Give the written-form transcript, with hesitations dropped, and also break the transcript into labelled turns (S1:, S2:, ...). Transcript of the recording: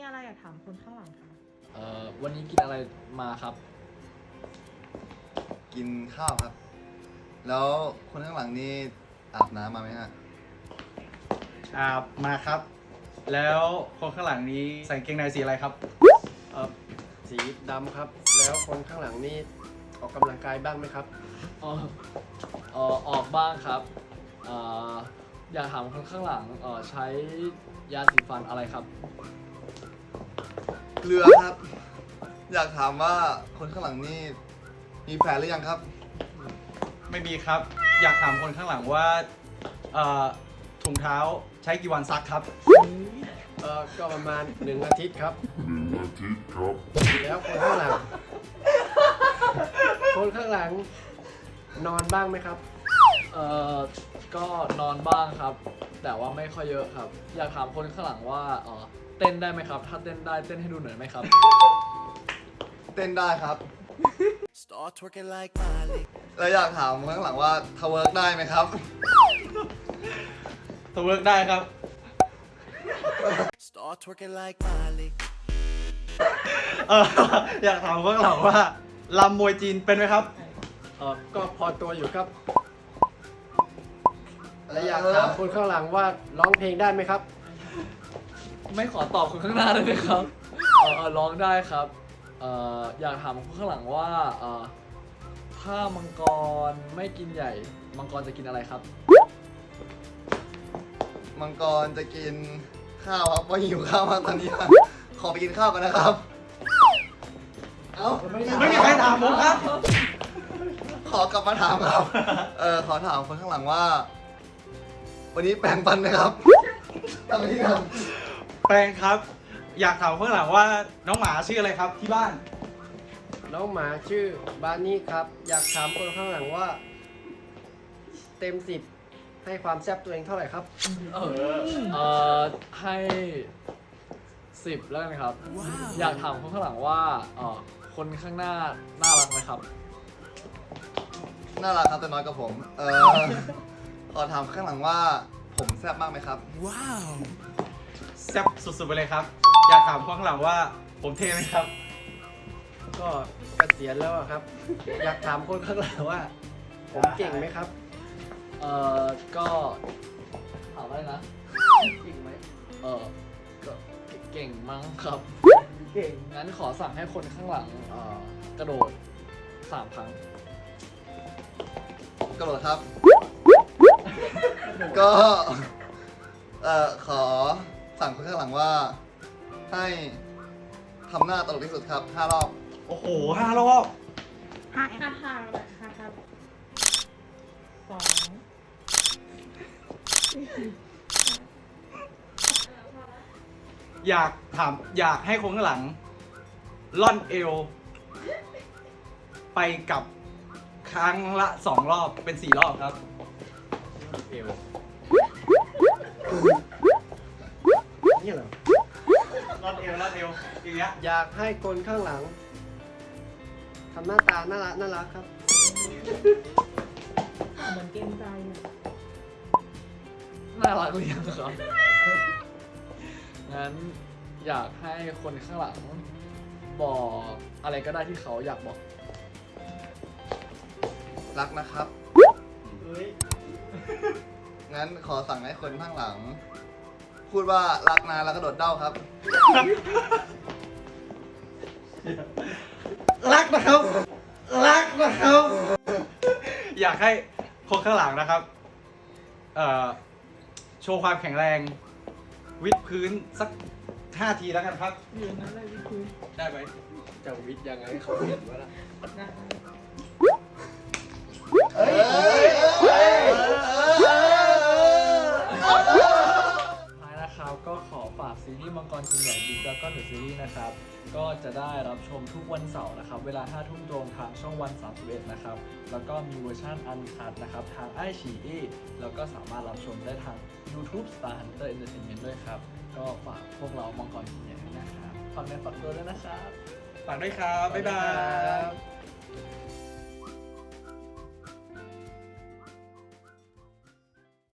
S1: อะไรอยากถามคนข้างหลังคะ
S2: วันนี้กินอะไรมาครับ
S3: กินข้าวครับ แล้วคนข้างหลังนี่อาบน้ำมาไหมฮะ
S4: อาบมาครับ แล้วคนข้างหลังนี้ใส่กางเกงในสีอะไรครับ
S5: สีดำครับ แล้วคนข้างหลังนี่ออกกำลังกายบ้างไหมครับ
S2: ออกบ้างครับอยากถามคนข้างหลังใช้ยาสีฟันอะไรครับ
S3: เรือครับ อยากถามว่าคนข้างหลังนี่มีแฟนหรือยังครับ
S4: ไม่มีครับ อยากถามคนข้างหลังว่าถุงเท้าใช้กี่วันซักครับ
S5: ก็ประมาณ1 อาทิตย์ครับ แล้วคนข้างหลัง คนข้างหลังนอนบ้างไหมครับ
S2: ก็นอนบ้างครับ แต่ว่าไม่ค่อยเยอะครับ อยากถามคนข้างหลังว่าเต้นได้ไหมครับ ถ้าเต้นได้เต้นให้ดูหน่อยไหมครับ
S3: เต้นได้ครับ
S6: Start twerking like Miley.
S3: แล้วอยากถามคนข้างหลังว่าทาเวิร์กได้ไหมครับ
S4: ตัวเวิร์กได้ครับ
S6: Start twerking like Miley.
S4: อยากถามคนข้างหลังว่าลำมวยจีนเป็นไหมครับ
S5: ก็พอตัวอยู่ครับ และอยากถามคนข้างหลังว่าร้องเพลงได้ไหมครับ
S2: ไม่ขอตอบคนข้างหน้าได้ไหมครับ ร้องได้ครับอยากถามคนข้างหลังว่าถ้ามังกรไม่กินใหญ่ มังกรจะกินอะไรครับ
S3: มังกรจะกินข้าวครับว่าหิวข้าวมากตอนนี้ครับขอไปกินข้าวกันนะครับ เอ้า
S4: ไม่มีใครถามผมครับ
S3: ขอกลับมาถามครับ ขอถามคนข้างหลังว่า วันนี้แปรงฟันไหมครับทำไมที่ท
S4: แปลงครับ อยากถามคนข้างหลังว่าน้องหมาชื่ออะไรครับที่บ้าน
S5: น้องหมาชื่อบานี่ครับ อยากถามคนข้างหลังว่า เต็ม10ให้ความแซ่บตัวเองเท่าไหร่ครับ
S2: ให้10แล้วกันครับ อยากถามคนข้างหลังว่าคนข้างหน้าน่ารักไหมครับ
S3: ำน่ารักครับแต่น้อยกว่าผม ขอถามข้างหลังว่าผมแซ่บมากไหมครับ
S6: Wow.
S4: แซ่บสุดๆไปเลยครับ อยากถามคนข้างหลังว่าผมเท่ไหมครับ
S5: ก็เกษียณแล้วอะครับ อยากถามคนข้างหลังว่า ผมเก่งไหมครับ
S2: ก็ถามอะไรนะ
S5: เก่งไหม
S2: ก็เก่งมั้งครับ
S5: เก่ง
S2: งั้นขอสั่งให้คนข้างหลังกระโดด3 ครั้ง
S3: กระโดดครับ ก็ขอสั่งคนข้างหลังว่า ให้ทำหน้าตลกที่สุดครับ5 รอบ
S4: โอ้โห5 รอบ
S1: ห้าแบบห้าครับสอง
S4: อยากให้คนข้างหลัง ล่อนเอว ไปกับครั้งละ2 รอบเป็น 4 รอบครับ
S5: เอวนี่เหรอ
S4: ล่อนเอวอย่างเงี้ย
S5: อยากให้คนข้างหลังทำหน้าตาน่ารักครับ
S1: เหมือนเกรงใจอ่ะ
S2: น่ารักหรือยังครับ งั้นอยากให้คนข้างหลังบอกอะไรก็ได้ที่เขาอยากบอก
S3: รักนะครับ งั้นขอสั่งให้คนข้างหลัง พูดว่ารักนะแล้วก็โดดเด้าครับ
S4: รักนะครับ รักนะครับ อยากให้คนข้างหลังนะครับ โชว์ความแข็งแรง วิดพื้นสัก5 ทีแล้วกันครับ
S1: อยู่นั้นเลยพี่คุย
S4: ได้ไหม
S5: จะวิทย์ยังไงให้เขาเห็นว่าล่ะ
S1: นะ
S2: ท้ายนะครับก็ขอฝากซีรีส์มังกรกินใหญ่บิ๊กแล้วก็เดอะซีรีส์นะครับ ก็จะได้รับชมทุกวันเสาร์นะครับ เวลา 5 ทุ่มตรงทางช่องวัน 31 นะครับ แล้วก็มีเวอร์ชันอันคัดนะครับ ทางไอฉีอีแล้วก็สามารถรับชมได้ทาง YouTube Star Hunter Entertainment ด้วยครับ ก็ฝากพวกเรามังกรกินใหญ่ด้วยนะครับฝากในฝากตัวด้วยนะครับ
S4: ฝากด้วยครับ บ๊ายบาย